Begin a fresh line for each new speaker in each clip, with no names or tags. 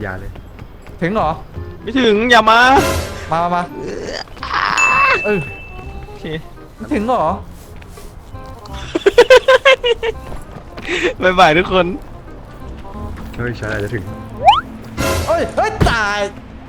อย่าเลย
ถึงเหรอ
ไม่ถึงอย่ามา
มาเออ
โอเค
ถึงเหรอ
บ๊ายบายทุกคน
เฮ้ยฉันอาจจะถึง
เฮ้ยตาย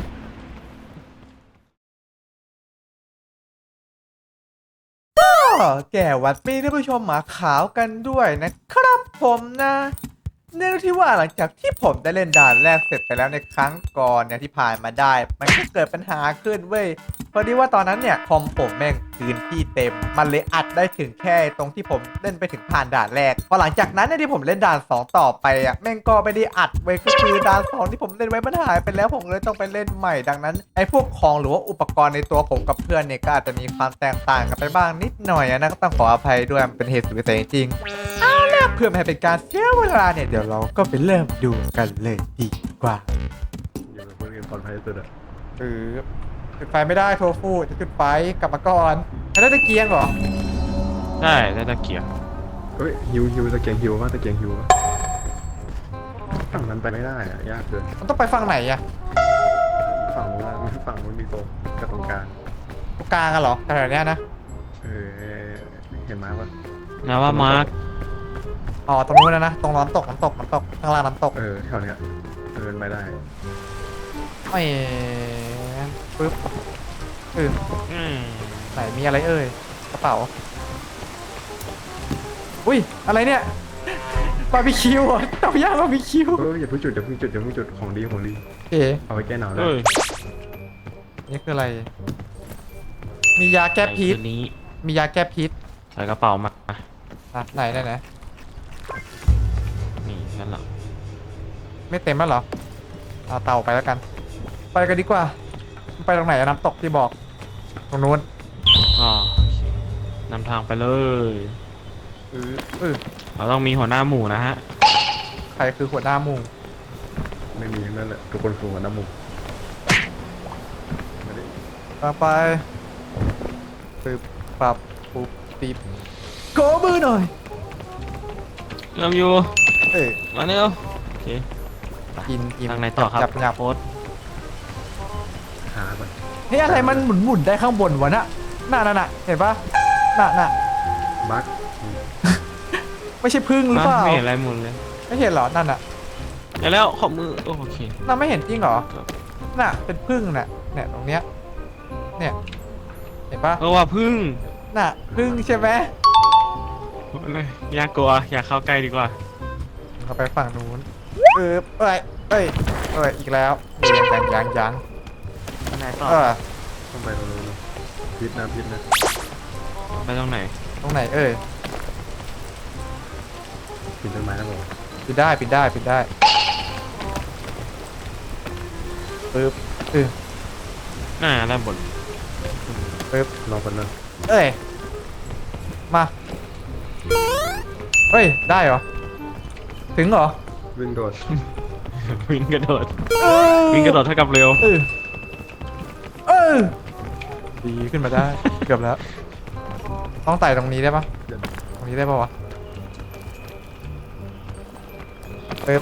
แก่วัดปีท่านผู้ชมหมาขาวกันด้วยนะครับผมนะเนื่องที่ว่าหลังจากที่ผมได้เล่นด่านแรกเสร็จไปแล้วในครั้งก่อนเนี่ยที่ผ่านมาได้มันก็เกิดปัญหาขึ้นเว้ยพอดีว่าตอนนั้นเนี่ยคอมผมแม่งพื้นที่เต็มมันเลยอัดได้ถึงแค่ตรงที่ผมเล่นไปถึงผ่านด่านแรกพอหลังจากนั้นเนี่ยที่ผมเล่นด่าน2ต่อไปอ่ะแม่งก็ไม่ได้อัดเว้ยก็คือด่าน2ที่ผมเล่นไว้มันหายไปแล้วผมเลยต้องไปเล่นใหม่ดังนั้นไอ้พวกของหรือว่าอุปกรณ์ในตัวผมกับเพื่อนเนี่ยก็อาจจะมีความแตกต่างกันไปบ้างนิดหน่อยนะก็ต้องขออภัยด้วยมันเป็นเหตุสุดวิสัยจริงเพื่อไม่ให้เป็นการเสียเวลาเนี่ยเดี๋ยวเราก็ไปเริ่มดูกันเลยดีกว่า
อยู่กับเพื่อนปลอดภัยสุดอะ
จุดไฟไม่ได้โทฟูจะจุดไฟกลับมาก่อนแล้วตะเกียงเหรอ
ได้ตะเกียบ
เฮ้ยฮิวตะเกียงฮิวว่าตะเกียงฮิวฝั่งนั้นไปไม่ได้อะยากเกิน
มันต้องไปฝั่งไหนอะ
ฝั่งนู้นมีโต๊ะกับตรงกลาง
ตรงกลางอะเหรอแถวเนี้ยนะ
เห็นไหมว่า
นะว่ามาร์ค
อ๋อตรงนู้นนะตรงน้ำตกข้างล่างน้ำตก
แถวเนี้ยไม่ได้
ไม่ปึ๊บไหนมีอะไรเอ่ยกระเป๋าอุ้ยอะไรเนี่ยบาร์บีคิวอ่ะเตาย่างบาร์บีคิว
อย่าเพิ่งจุดของดีเอาไว้แก้หนาวได้
นี่คืออะไรมียาแก้พิษมียาแก้พิษ
ใส่กระเป๋ามา
ไหน
นี่นั่นแหละ
ไม่เต็มแล้วเหรอเอาเตาไปแล้วกันไปกันดีกว่าไปตรงไหนน้ำตกที่บอกตรงนู้น
นำทางไปเลยเราต้องมีหัวหน้าหมู่นะฮะ
ใครคือหัวหน้าหมู่
ไม่มีนั่นแหละทุกคนคือหัวหน้าหมู่
ไปปรับปุ๊บปีบโกมือหน่อย
เริ่มอยู่มาเร็วโอเค
กิน
ทางไหนต่อครับ
จับ
โพส
หาก่อน
เฮ้ยอะไรมันหมุนได้ข้างบนวะน่ะเห็นปะน่ะ
บั๊ก
ไม่ใช่พึ่งหรือเปล่า
ไม่เห็นอะไรหมุนเลย
ไม่เห็นหรอนั่นน่ะ
แล้วขอบมือโอเค
น่าไม่เห็นจริงหรอน่ะเป็นพึ่งน่ะเนี่ยตรงเนี้ยเนี่ยเห็นปะ
ว่าพึ่ง
น่ะพึ่งใช่ไหม
อยากกลัวอยากเข้าใกล้ดีกว่า
เข้าไปฝั่งนู้นอีกแล้วยัง
ไหนต่อ
ต้องไปตรงนู้นพิษนะ
ไปตรงไหน
ปีน
ต้นไม้นะผม
ปีนได้ปึ๊บ
ด้านบน
ปึ๊บ
รอคนนั้น
มาได้เหรอถึงเหรอ
วิ่งโดด
วิ่งกระโดดเท่ากับเร็ว
ดีขึ้นมาได้เกือบแล้วต้องไต่ตรงนี้ได้ปะตรงนี้ได้ปะวะปึ๊บ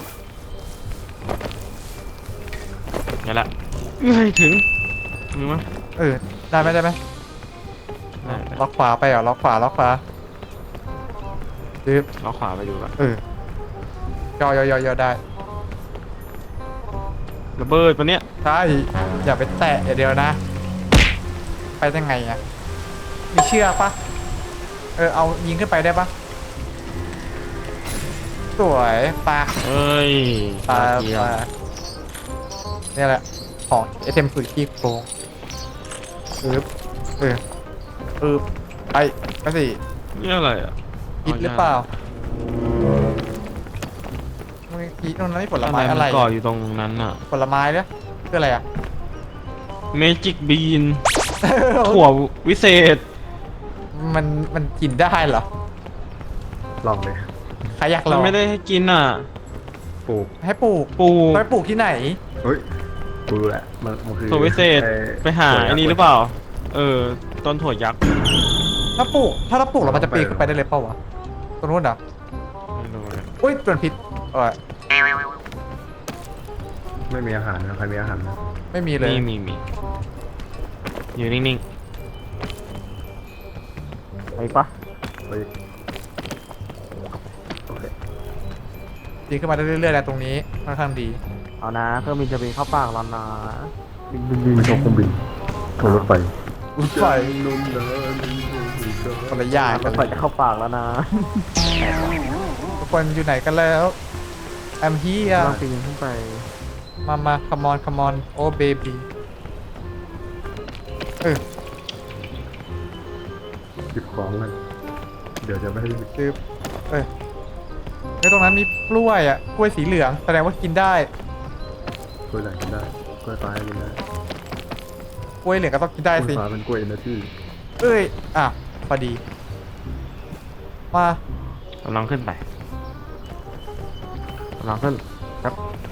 นี่แหละถึงมีมั้ย
ได้ไหมล็อกขวาไปเหรอล็อกขวา
ล็อกขวาไปอยู่ก่อน
ย่อได้
ระเบิดปะเนี่ย
ใช่อย่าไปแตะเดียวนะไปได้ไงอ่ะมีเชือกปะเอายิงขึ้นไปได้ปะสวยปะปะนี่แหละของไอเทมสุดที่โกงไปสิ
นี่อะไรอ่ะ
คิดหรือเปล่าเมื่อกี้ตรงนั้นมีผลไม้อะไร
ก่ออยู่ตรงนั้นอ่ะ
ผลไม้เนี่ยคืออะไรอ่ะ
เมจิกบีนถั่ววิเศษ
มันกินได้เหรอ
ลองเลย
ใครอยากลอง
ไม่ได้ให้กินอ่ะ
ปลูก
ให้ปลูกไปปลูกที่ไหน
ปลูกแหละมันคือ
ถั่ววิเศษไปหาอันนี้หรือเปล่าต้นถั่วยักษ์
ถ้าเราปลูกเราจะปีนขึ้นไปได้เลยเปล่าวะตรงนู้นเหรออุ้ยตัวพิษ
ไม่มีอาหารนะใครมีอาหารนะ
ไม่มีเลย
มีอยู่นิ่ง
ไปปะ
ไปโอเค
ดีขึ้นมาเรื่อยๆแล้วตรงนี้ค่อนข้างดี
เอานะเครื่องบินจะบินเข้าปากแล้วนะ
บินไม่ชอบเครื่องบินโทรรถไฟ
รถไฟ
นุ่มนะ
คนละอย่าง
ร
กั
ถ
น
ไฟจะเข้าปากแล้วนะ
ทุกคนอยู่ไหนกันแล้ว I'm here
ต้องปีนขึ้นไป
มา come on oh baby
หยิบของกันเดี๋ยวจะไม่ให้
คือในตรงนั้นมีกล้วยอ่ะกล้วยสีเหลืองแสดงว่ากินได้
กล้วยไหนกินได้กล้วยฟ้ากินได้
กล้วยเหลืองก็ต้องกินได้
กล้วย
สิ
ฟ้าเป็นกล้วยเอเนอร์จี
อ่ะพอดี มา
ๆกำลังขึ้นไป
กำลังขึ้นครับ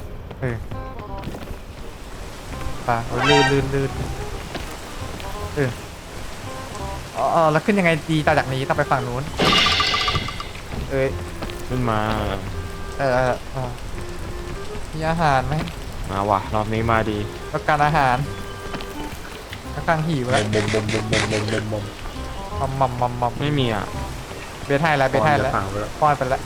ป่ะลื่นแล้วขึ้นยังไงดีต่อจากนี้ต้องไปฝั่งนู้น
ขึ้นมา
มีอาหารไหม
มาว่ะรอบนี้มาดี
ต้องการอาหารค่อนข้างหิวแล้ว มัม
ไม่มีอ่ะ
เบทให้แล้วเบทให้แล้ว
ฝั่งไปแล้ว
ป้อนไปแล้ว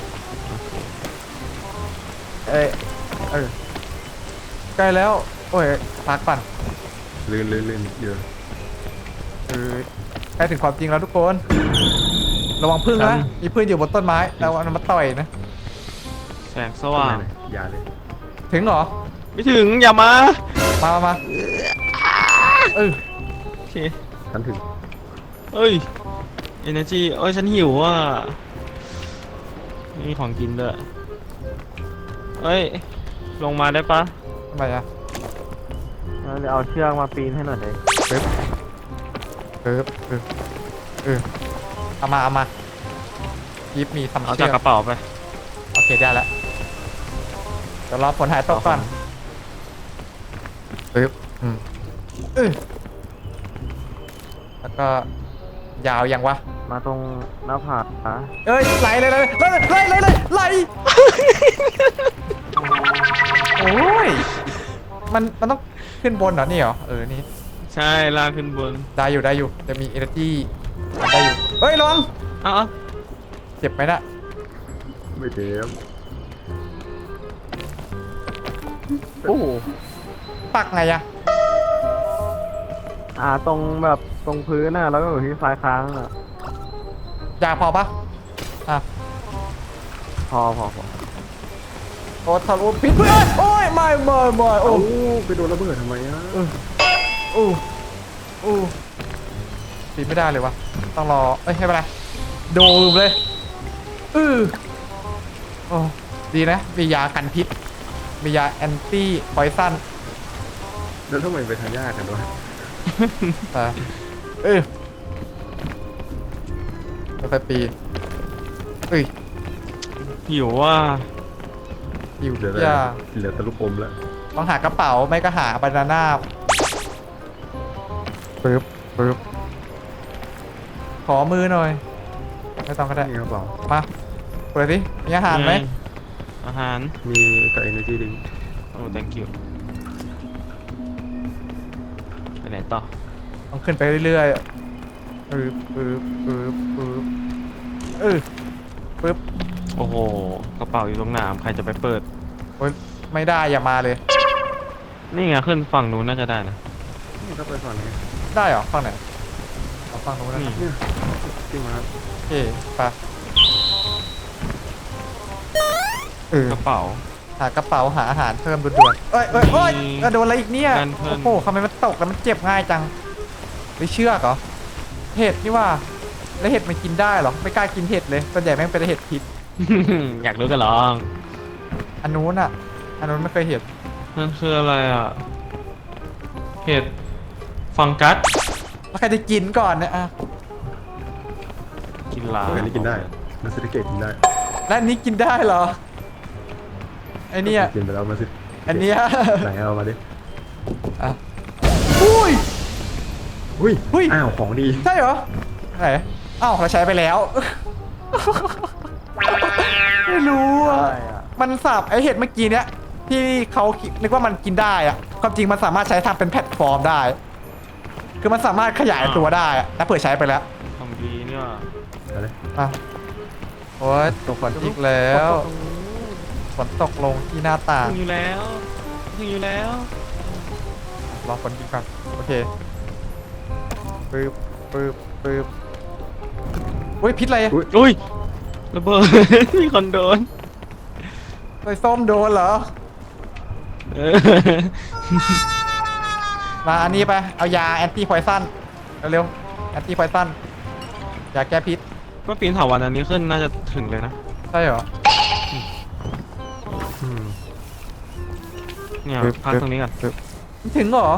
ใกล้แล้ว โอ้ยพักก่อน
ลื่นเยอะ
ใกล้ถึงความจริงแล้วทุกคน ระวังพึ่งนะมีพึ่งอยู่บนต้นไม้ระวังมันมาต่อยนะ
แสงสว่าง
อย่าเลย
ถึงเหรอ
ไม่ถึงอย่ามา
มา
โอเค
ฉันถึง
เอ้ย energy เอ้ยฉันหิวอ่ะมีของกินด้วยเอ้ย ลงมาได้ปะ
ทำไมอ่ะ
เดี๋ยวเอาเชือกมาปีนให้หน่อยเลย
เอามายิบมีทำ
เอา
เชื
จาก
อก
กระเป๋าไป
โอเคได้แล้วเดี๋ยวรอผลหายตกก่อนแล้วก็ยาวยังวะ
มาตรงหน้าผากนะ
ไหลไหลโอ้ยมันต้องขึ้นบนเหรอนี่เหรอนี่
ใช่ลากขึ้นบน
ได้อยู่จะมี energy ได้อยู่ระวัง
เอ้า
เจ็บไหมน่ะ
ไม่เจ็บ
โอ้โห
ปักไงอะ
ตรงแบบตรงพื้นน่ะแล้วก็อยู่ที่ซ้ายค้างอ่ะ
ยาพอปะ
พอ
โอ้ทะลุพิษเพื่อนโอ้ยไม่โอ้
โอ้ไปโดนระเบิดทำไมอ่ะ
ปีนไม่ได้เลยวะต้องรอไม่เป็นไรโดมเลยโอ้ดีนะมียากันพิษมียาแอนตี้พอยซัน
แล้วทำไมไปทางยากกันวะ
ค่อยๆปีน
หิวว่า
อยู่
เหลือ
อย่า
เหลือตะลุกอมแล้ว
ต้องหากระเป๋าไม่ก็หาบานาน่าปึ๊บขอมือหน่อยไม่ต้องก็ได้
นี่กระเป๋า
มาเปิดดิมีอาหารไหม
อาหาร
มีกับ energy drink
โอ้ thank you ไปไหนต่อ
ต้องขึ้นไปเรื่อยๆปึ๊บ
โอ้โห กระเป๋าอยู่ตรงหนามใครจะไปเปิด
โอ๊ยไม่ได้อย่ามาเลย
นี่ไงขึ้นฝั่งนู้นน่าจะได้นะ
นี่ก็ไปฝั่งนี้
ได้เหรอฝั่งไหนเอาฝั่งนู้นนะ
นี่
เนี่ยที่มา
โอเคไป
กระเป๋า
หากระเป๋าหาอาหารเพิ่มด่วนๆเอ้ยโดนอะไรอีกเนี่ย
การเพิ่ม
โอ้โหทำไมมันตกแล้วมันเจ็บง่ายจังไปเชือกเหรอเห็ดนี่ว่าแล้วเห็ดมันกินได้เหรอไม่กล้ากินเห็ดเลยส่วนใหญ่แม่งเป็นเห็ดพิษ
อยากรู้กันเหรอ
อันนู้นไม่เคยเห็น
นั่นคืออะไรอ่ะ เห็ดฟังกัส
แล้วใครจะกินก่อนเนี่ยอ่ะ
กินลา
อันนี้กินได้มาซิลิเกตกินได้
แล้วอันนี้กินได้เหรอไอเนี่ย
กินไปแล้วมาซิ
อันเนี้ย
ไหนเอามาดิ
อ่ะอุ้ย
อุ้ยอ้าวของดี
ใช่เหรอไหนอ้าวเราใช้ไปแล้ว ไม่รู้อ่ะ
ใช่อ่ะ
มันสับไอเห็ดเมื่อกี้เนี้ยที่เขานึกว่ามันกินได้อะความจริงมันสามารถใช้ทำเป็นแพลตฟอร์มได้ คือมันสามารถขยายตัวได้อะแล้วเผื่อใช้ไปแล้ว
ทำดีเนี่ย
อะไร
อ่ะโอ้ยตกฝนอีกแล้วฝนตกลงที่หน้าต่าง
ถึงอยู่แล้วถึงอยู่แล้ว
รอฝนกินก่อนโอเคปึ๊บปึ๊บปึ๊บอุ้ยพิษอะไรอะ
อุ้ยระเบิด มีคนโดน
ไอ้ส้มโดนเหรอ
เออ
มาอันนี้ไป เอายาแอนตี้พอยซันเร็วแอนตี้พอยซันยาแก้พิษ
ก็ปีนเถาวันอันนี้ขึ้นน่าจะถึงเลยนะ
ใช่เหรอ
อืม
เนี่ย
ปึ๊บ
พักตรงนี้ก่อน
มันถึงเหรอ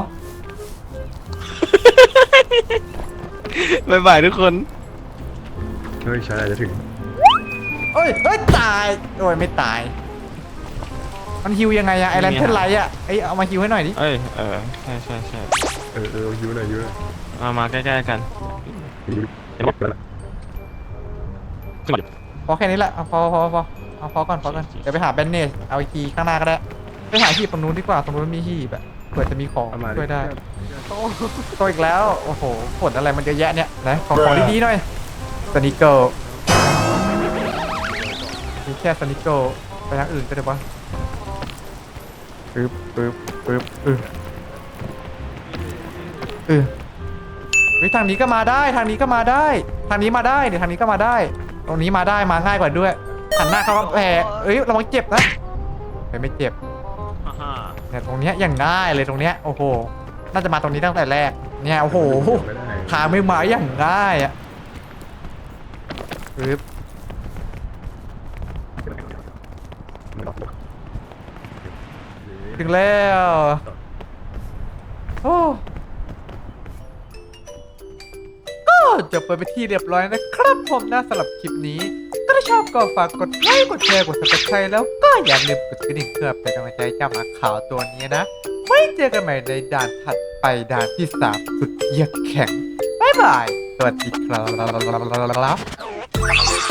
บ๊ายบายทุกคน
เฮ้ยใช้อะไรจะถึง
เอ้ยเอ้ยตายโอ้ยไม่ตาย มันฮิวยังไงอะไอแลนเทนไลท์อะไอเอามาฮิวให้หน่อยดิ
เอ้ยใช่ใช่ใช่
เออฮิวหน่อยฮิวหน่อย
มาใกล้ๆกัน
ฮิวจะหมดแล้วล่ะ
ขึ้นมาดิ
พอแค่นี้แหละเอาพอเอาพอก่อนเดี๋ยวไปหาแบนเนจเอาอีกทีข้างหน้าก็ได้ไปหาหีบตรงนู้นดีกว่าตรงนู้นมีหีบแบบเผื่อจะมีของ
เอามา
ช่วยได้โตอีกแล้วโอ้โหผลอะไรมันเยอะแยะเนี่ยนะของดีๆหน่อยสนิเกิลมีแค่สนิเกิลไปทางอื่นก็ได้ปะปึ๊บเฮ้ยทางนี้ก็มาได้ทางนี้มาได้เดี๋ยวทางนี้ก็มาได้ ตรงนี้มาได้มาง่ายกว่าด้วยหันหน้าเข้ากำแพงเอ้ยระวังเจ็บนะไม่เจ็บ
ฮ่า
เนี่ยตรงเนี้ยอย่างง่ายเลยตรงเนี้ยโอ้โหน่าจะมาตรงนี้ตั้งแต่แรกเนี่ยโอ้โห
ไม่ได้
ทางไม่มาอย่างง่ายอ่ะปึ๊บถึงแล้วโอ้ก็จบไปที่เรียบร้อยนะครับผมนะสำหรับคลิปนี้ ก็ถ้าชอบก็ฝากกดไลค์กดแชร์กด subscribe แล้วก็อย่าลืมกดกระดิ่งเพื่อเป็นกำลังใจให้เจ้าหมาขาวตัวนี้นะไว้เจอกันใหม่ในด่านถัดไปด่านที่ 3 สุดเยือกแข็งบ๊ายบาย สวัสดีครับ